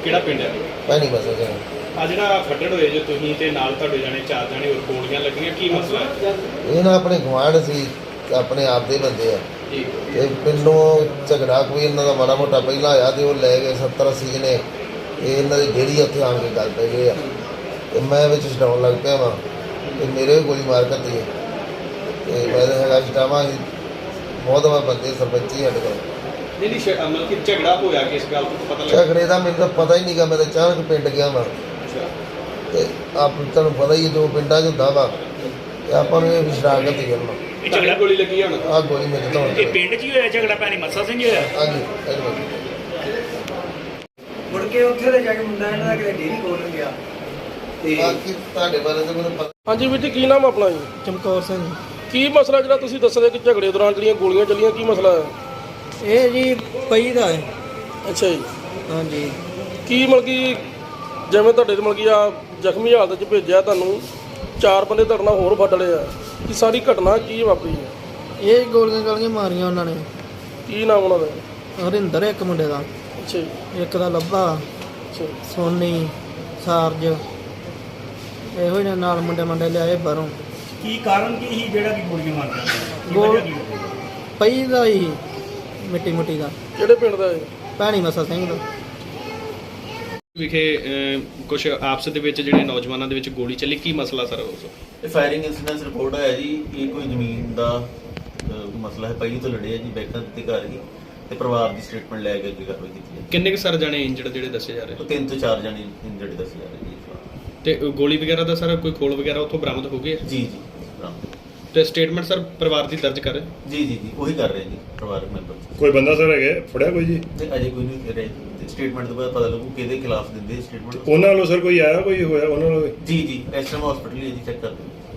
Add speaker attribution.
Speaker 1: ਕਿਹੜਾ ਪਿੰਡ ਹੈ?
Speaker 2: ਭੈਣੀ ਬਸ ਜੀ।
Speaker 1: ਆ ਜਿਹੜਾ ਫੱਟੜ ਹੋਏ ਜੋ ਤੁਸੀਂ ਤੇ ਨਾਲ ਤੁਹਾਡੇ ਜਾਣੇ 4 ਜਾਣੇ ਹੋਰ ਗੋਲੀਆਂ ਲੱਗੀਆਂ, ਕੀ ਮਸਲਾ ਹੈ?
Speaker 2: ਇਹ ਨਾ ਆਪਣੇ ਗੁਆਂਢ ਸੀ, ਆਪਣੇ ਆਪ ਦੇ ਬੰਦੇ ਆ
Speaker 1: ਜੀ
Speaker 2: ਤੇ ਪਿੰਡੋਂ ਝਗੜਾ ਕੋਈ ਇਹਨਾਂ ਦਾ ਮਾੜਾ ਮੋਟਾ ਪਹਿਲਾਂ ਆਇਆ ਤੇ ਉਹ ਲੈ ਗਏ 70-80 ਜਣੇ। ਇਹ ਇਹਨਾਂ ਦੀ ਡੇਰੀ ਉੱਥੇ ਆਣ ਕੇ ਗੱਲ ਪੈ ਗਏ ਆ ਤੇ ਮੈਂ ਵਿੱਚ ਛਡਾਉਣ ਲੱਗ ਪਿਆ ਵਾਂ ਤੇ ਮੇਰੇ ਵੀ ਗੋਲੀ ਮਾਰ ਕਰਤੀ ਹੈ ਤੇ ਮੈਂ ਤਾਂ ਹੈਗਾ ਛਡਾਵਾਂ ਸੀ। ਬਹੁਤ ਵਾਰ ਬੰਦੇ ਸਰਪੰਚੀ ਸਾਡੇ ਕੋਲ
Speaker 1: ਨਹੀਂ ਮਤਲਬ ਕਿ ਝਗੜਾ ਹੋਇਆ ਕਿਸ ਗੱਲ ਤੋਂ ਪਤਾ ਲੱਗਾ?
Speaker 2: ਝਗੜੇ ਦਾ ਮੈਨੂੰ ਤਾਂ ਪਤਾ ਹੀ ਨਹੀਂ ਗਾ। ਮੈਂ ਤਾਂ ਅਚਾਨਕ ਪਿੰਡ ਗਿਆ ਵਾਂ ਤੇ ਆਪ ਤੁਹਾਨੂੰ ਪਤਾ ਹੀ ਹੈ ਜੋ ਪਿੰਡਾਂ 'ਚ ਹੁੰਦਾ ਵਾ ਤੇ ਆਪਾਂ ਨੂੰ ਇਹ ਸ਼ਰਾਰਤ ਹੀ ਕਰਨਾ।
Speaker 1: ਇਹ ਝਗੜਾ ਗੋਲੀ ਲੱਗੀ ਹੁਣ?
Speaker 2: ਆਹ ਗੋਲੀ ਮੇਰੇ ਤੋਂ
Speaker 3: ਇਹ ਪਿੰਡ 'ਚ ਹੀ ਹੋਇਆ ਝਗੜਾ? ਭੈਣੀ ਮੱਸਾ ਸਿੰਘ ਹੋਇਆ?
Speaker 2: ਹਾਂਜੀ
Speaker 4: ਮੁੜ ਕੇ ਉੱਥੇ ਤੇ ਜਾ ਕੇ ਮੁੰਡਾ ਇਹਨਾਂ ਦਾ ਕਿਤੇ ਡੇਰੀ ਖੋਲ੍ਹਣ ਗਿਆ ਤੇ
Speaker 2: ਬਾਕੀ ਤੁਹਾਡੇ ਬਾਰੇ ਤਾਂ ਮੈਨੂੰ ਪਤਾ।
Speaker 5: ਹਾਂਜੀ ਵੀਰ ਜੀ, ਕੀ ਨਾਮ ਆਪਣਾ ਜੀ?
Speaker 4: ਚਮਕੌਰ ਸਿੰਘ।
Speaker 5: ਕੀ ਮਸਲਾ ਜਿਹੜਾ ਤੁਸੀਂ ਦੱਸਦੇ ਕਿ ਝਗੜੇ ਦੌਰਾਨ ਜਿਹੜੀਆਂ ਗੋਲੀਆਂ ਚੱਲੀਆਂ, ਕੀ ਮਸਲਾ ਹੈ?
Speaker 4: ਇਹ ਜੀ ਪਈ ਦਾ ਹੈ।
Speaker 5: ਅੱਛਾ ਜੀ,
Speaker 4: ਹਾਂਜੀ।
Speaker 5: ਕੀ ਮਤਲਬ ਕਿ ਜਿਵੇਂ ਤੁਹਾਡੇ ਤੇ ਮਤਲਬ ਕਿ ਆ ਜ਼ਖਮੀ ਹਾਲਤ 'ਚ ਭੇਜਿਆ ਤੁਹਾਨੂੰ, 4 ਬੰਦੇ ਤੁਹਾਡੇ ਨਾਲ ਹੋਰ ਫੱਟ ਲਏ ਆ, ਕਿ ਸਾਰੀ ਘਟਨਾ ਕੀ ਵਾਪਰੀ ਹੈ?
Speaker 4: ਇਹ ਗੋਲੀਆਂ ਮਾਰੀਆਂ ਉਹਨਾਂ ਨੇ।
Speaker 5: ਕੀ ਨਾਮ ਉਹਨਾਂ ਦਾ?
Speaker 4: ਹਰਿੰਦਰ ਇੱਕ ਮੁੰਡੇ ਦਾ,
Speaker 5: ਅੱਛਾ ਜੀ,
Speaker 4: ਇੱਕ ਦਾ ਲੱਭਾ,
Speaker 5: ਅੱਛਾ ਜੀ।
Speaker 4: ਸੋਨੀ, ਸਾਰਜ, ਇਹੋ ਹੀ ਨਾਲ ਮੁੰਡੇ ਲਿਆਏ ਬਾਹਰੋਂ।
Speaker 3: ਕੀ ਕਾਰਨ ਕੀ ਸੀ ਜਿਹੜਾ ਕਿ ਗੋਲੀਆਂ ਮਾਰਦਾ?
Speaker 4: ਗੋਲ ਪਈ ਦਾ ਹੀ ਮਿੱਟੀ ਦਾ।
Speaker 5: ਕਿਹੜੇ ਪਿੰਡ ਦਾ ਹੈ?
Speaker 4: ਭੈਣੀ ਮੱਸਾ ਸਿੰਘ ਦਾ।
Speaker 1: ਵਿਖੇ ਕੁਝ ਆਪਸ ਦੇ ਵਿੱਚ ਜਿਹੜੇ ਨੌਜਵਾਨਾਂ ਦੇ ਵਿੱਚ ਗੋਲੀ ਚੱਲੀ, ਕੀ ਮਸਲਾ ਸਰ ਉਸ?
Speaker 6: ਇਹ ਫਾਇਰਿੰਗ ਇਨਸੀਡੈਂਟ ਰਿਪੋਰਟ ਆਇਆ ਜੀ। ਇਹ ਕੋਈ ਜ਼ਮੀਨ ਦਾ ਮਸਲਾ ਹੈ। ਪਹਿਲੀ ਤੋਂ ਲੜੇ ਆ ਜੀ, ਬੈਕਾਂ ਦਿੱਤੇ ਘਰ ਹੀ ਤੇ ਪਰਿਵਾਰ ਦੀ ਸਟੇਟਮੈਂਟ ਲੈ ਕੇ ਅੱਗੇ ਕਾਰਵਾਈ ਕੀਤੀ ਹੈ।
Speaker 1: ਕਿੰਨੇ ਕੁ ਸਰ ਜਾਣੇ ਇੰਜਰਡ ਜਿਹੜੇ ਦੱਸੇ ਜਾ ਰਹੇ?
Speaker 6: ਉਹ 3 ਤੋਂ 4 ਜਣੇ ਇੰਜਰਡ ਦੱਸੇ ਜਾ ਰਹੇ ਜੀ।
Speaker 1: ਤੇ ਗੋਲੀ ਵਗੈਰਾ ਦਾ ਸਰ ਕੋਈ ਖੋਲ ਵਗੈਰਾ ਉੱਥੋਂ ਬਰਾਮਦ ਹੋ ਗਏ?
Speaker 6: ਜੀ ਬਰਾਮਦ।
Speaker 1: ਤੇ ਸਟੇਟਮੈਂਟ ਸਰ ਪਰਿਵਾਰ ਦੀ ਦਰਜ ਕਰ?
Speaker 6: ਜੀ ਉਹੀ ਕਰ ਰਹੇ ਜੀ ਪਰਿਵਾਰਕ ਮੈਂਬਰ।
Speaker 7: ਕੋਈ ਬੰਦਾ ਸਰ ਹੈਗੇ ਫੜਿਆ ਕੋਈ ਜੀ?
Speaker 6: ਤੇ ਅਜੇ ਕੋਈ ਨਹੀਂ ਕਰ ਰਹੇ। ਸਟੇਟਮੈਂਟ ਤੋਂ ਬਾਅਦ ਪਤਾ ਲੱਗੂ ਕਿਹਦੇ ਖਿਲਾਫ ਦਿੰਦੇ ਸਟੇਟਮੈਂਟ।
Speaker 7: ਉਹਨਾਂ ਵੱਲੋਂ ਸਰ ਕੋਈ ਆਇਆ, ਕੋਈ ਹੋਇਆ ਉਹਨਾਂ ਵੱਲੋਂ?
Speaker 6: ਜੀ ਐਸਐਮ ਹਸਪੀਟਲ ਹੀ ਜੀ ਚੈੱਕ ਕਰਦੇ।